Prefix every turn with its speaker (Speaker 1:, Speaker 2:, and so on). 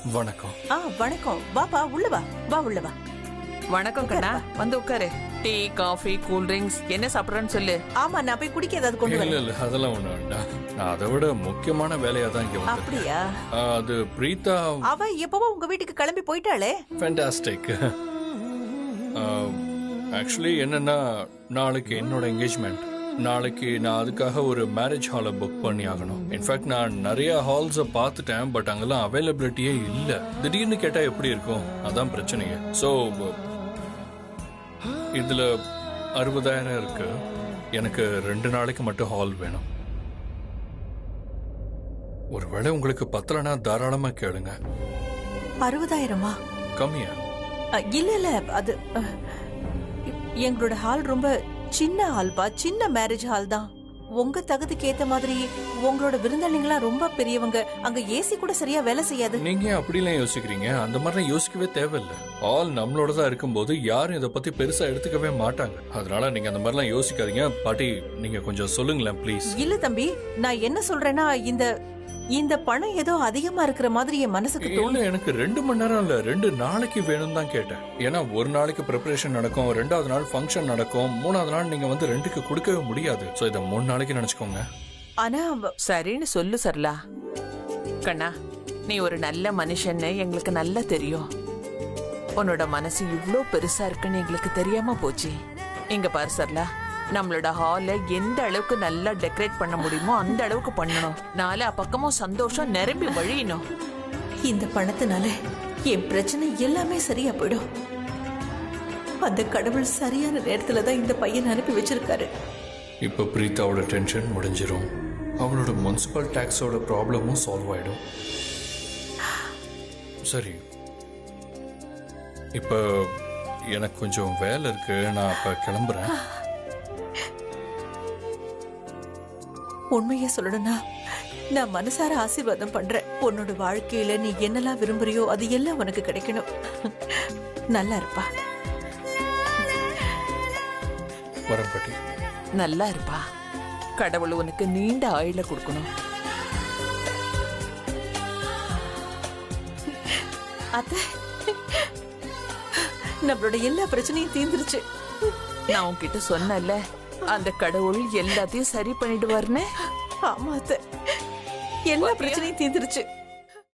Speaker 1: வணக்கம்.
Speaker 2: வணக்கம். வாப்பா, உள்ள வா. வா, உள்ள வா.
Speaker 3: வணக்கம் கண்ணா, வந்து உட்காரு. டீ, காஃபி, கூல் ட்ரிங்க்ஸ் என்ன சாப்பிடுறேன்னு சொல்லு.
Speaker 2: ஆமா, நான் போய் குடிக்க ஏதாவது கொண்டு வரேன்.
Speaker 1: இல்ல அதெல்லாம் ஒண்ணு வேண்டாம். நான் அதை விட முக்கியமான வேலையா தான் இங்க வந்தேன்.
Speaker 2: அப்படியா?
Speaker 1: அது பிரீதா.
Speaker 2: அவ எப்பவோ உங்க வீட்டுக்கு கிளம்பி போயிட்டாளே.
Speaker 1: ஃபேண்டாஸ்டிக். ஆக்சுவலி என்னன்னா, நாளைக்கு என்னோட என்கேஜ்மெண்ட். நாளைக்கு நான் அதுக்காக ஒரு மேரேஜ் ஹாலை புக் பண்ணி ஆகணும். இன்ஃபேக்ட் நான் நிறைய ஹால்ஸை பார்த்துட்டேன், பட் அங்கெல்லாம் அவைலபிலிட்டியே இல்லை. திடீர்னு கேட்டா எப்படி இருக்கும், அதான் பிரச்சனையே. ஸோ இதுல 60,000 இருக்கு. எனக்கு 2 நாளைக்கு மட்டும் ஹால் வேணும். ஒருவேளை உங்களுக்கு பத்தலனா தாராளமா கேளுங்க.
Speaker 2: 60,000?
Speaker 1: கம்மியா?
Speaker 2: இல்ல அது எங்களோட ஹால் ரொம்ப சின்ன ஹால்பா, சின்ன மேரேஜ் ஹால் தான். உங்க தகுதிக்கு ஏத்த மாதிரி உங்களோட விருந்தாளிங்களா ரொம்ப பெரியவங்க, அங்க ஏசி கூட சரியா வேலை செய்யாது.
Speaker 1: நீங்க அப்படிலாம் யோசிக்கிறீங்க? அந்த மாதிரிலாம் யோசிக்கவே தேவையில்லை. ஆல் நம்மளோட தான் இருக்கும்போது யாரும் இதை பத்தி பெருசா எடுத்துக்கவே மாட்டாங்க. அதனால நீங்க அந்த மாதிரிலாம் யோசிக்காதீங்க. பாட்டி, நீங்க கொஞ்சம் சொல்லுங்களேன் ப்ளீஸ்.
Speaker 2: இல்ல தம்பி, நான் என்ன சொல்றேன்னா, இந்த பணம் ஏதோ அதிகமா இருக்கிற மாதிரி என் மனசுக்கு தோணு.
Speaker 1: எனக்கு 2 மணி நேரம் இல்ல, 2 நாளைக்கு வேணும் தான் கேட்டேன். ஏன்னா ஒரு நாளைக்கு ப்ரிப்பரேஷன் நடக்கும், 2வது நாள் ஃபங்க்ஷன் நடக்கும், 3வது நாள் நீங்க வந்து ரெண்டுக்கு கொடுக்கவே முடியாது. சோ இத 3 நாளைக்கு நினைச்சுக்கோங்க.
Speaker 2: ஆனா
Speaker 3: சரின்னு சொல்லு சரலா. கண்ணா, நீ ஒரு நல்ல மனுஷன்னு எங்களுக்கு நல்லா தெரியும். உன்னோட மனசு இவ்ளோ பெருசா இருக்குன்னு எங்களுக்கு தெரியாம போச்சு. இங்க பாரு சரலா, நம்மளோட ஹால எந்த அளவுக்கு நல்லா டெக்கரேட் பண்ண முடியுமோ அந்த அளவுக்கு பண்ணணும். நாலா பக்கமும் சந்தோஷம் நிரம்பி வழியணும்.
Speaker 2: இந்த பணத்தினால என் பிரச்சனை எல்லாமே சரியா போயிடும். அந்த கடவுள் சரியான நேரத்துல தான் இந்த பையன் அனுப்பி வச்சிருக்காரு.
Speaker 1: இப்ப பிரீதாவோட டென்ஷன் முடிஞ்சிரும். அவளோட முனிசிபல் டாக்ஸோட ப்ராப்ளமும் சால்வ் ஆயிடும். சரி, இப்ப எனக்கு கொஞ்சம் வேலை இருக்கு, நான் இப்ப கிளம்புறேன்.
Speaker 2: உண்மையை சொல்லணும்னா, நான் மனசார ஆசீர்வாதம் பண்றேன். உன்னோட வாழ்க்கையில நீ என்னெல்லாம் விரும்புறியோ அது எல்லாம் உனக்கு கிடைக்கணும். நல்லா இருப்பா.
Speaker 1: வரேன் பாட்டி.
Speaker 3: நல்லா இருப்பா. கடவுள் உனக்கு நீண்ட ஆயுள கொடுக்கணும்.
Speaker 2: அத்தை, நம்மளோட எல்லா பிரச்சனையும் தீர்ந்துருச்சு.
Speaker 3: நான் உன்கிட்ட சொன்னல, அந்த கடவுள் எல்லாத்தையும் சரி பண்ணிடுவார்னு.
Speaker 2: ஆமா அத்தை, எல்லா பிரச்சனையும் தீர்ந்துருச்சு.